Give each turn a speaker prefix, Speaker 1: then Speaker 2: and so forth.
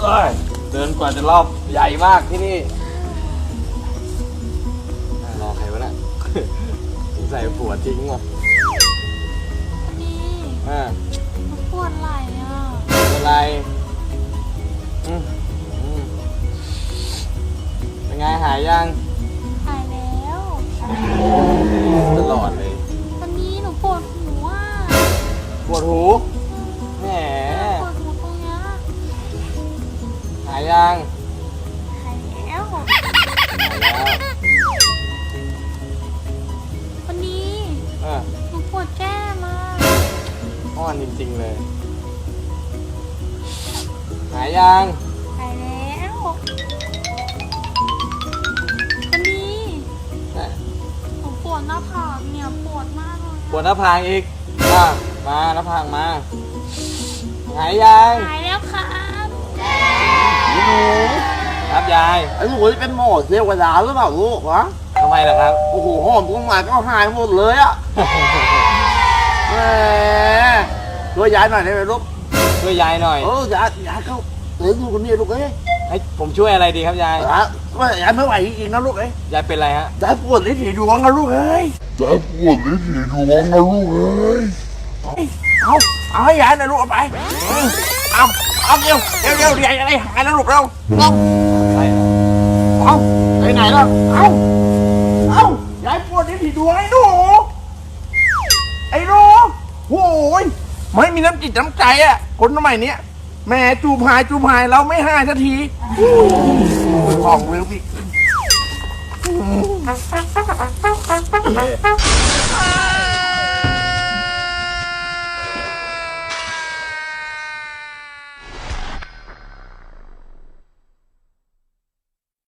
Speaker 1: เดินกว่าจะรอบใหญ่มากที่นี่รอใครวะน่ะ ใส่ผัวทิ้งว่ะ
Speaker 2: นี่ปวดไหล่อ่ะ
Speaker 1: อะไรเป็นไงหายยัง
Speaker 2: หายแล้ว
Speaker 1: ตลอดเลย
Speaker 2: วันนี้หนูปวดหูอ่ะ
Speaker 1: ปวดหูแหม
Speaker 2: ปวดหูตรงเนี้ย
Speaker 1: หายยัง
Speaker 2: หายแล้ววันนี้หนูปวดแก้มอ่ะ
Speaker 1: อ้อนจริงๆเลยหายยัง
Speaker 2: หายแล้ววันนี้หนูปวดหน้าผากเนี่ยปวดมากเลย
Speaker 1: ปวดหน้าผากอีกมาหน้าผากมาหายยัง
Speaker 2: หายแล้วครับ
Speaker 3: หนู
Speaker 1: ครับยาย
Speaker 3: ไอ้หนูจะเป็นหมอเทวดาหรือเปล่าลูกวะ
Speaker 1: ทำไมล่ะครับ
Speaker 3: โอ้โหหอมกุ้งมาก็หายหมดเลยอ่ะแหมช่วยยายหน่อยได้ไหมลูก
Speaker 1: ช่วยยายหน่อย
Speaker 3: ยายเขาเลี้ยงดูคนนี้ลูกเอ้ย
Speaker 1: ให้ผมช่วยอะไรดีครับยาย
Speaker 3: ว่ายายไม่ไหวจริงๆนะลูกเอ้ย
Speaker 1: ยายเป็นไรฮะ
Speaker 3: ยายปวดลิ้นถี่ดวงนะลูกเอ้ยยายปวดลิ้นถี่ดวงนะลูกเอ้ยเอาให้ยายหน่อยลูกเอาไปเอาเร็วยายอะไรหายแล้วลูกเราเอาไปไหนแล้วเอายายปวดลิ้นถี่ดวงไอ้หนูโอ้ยไม่มีน้ำจิตน้ำใจอ่ะคนสมัยนี้แม่จูบหายเราไม่หายสักทีของเร็วพี่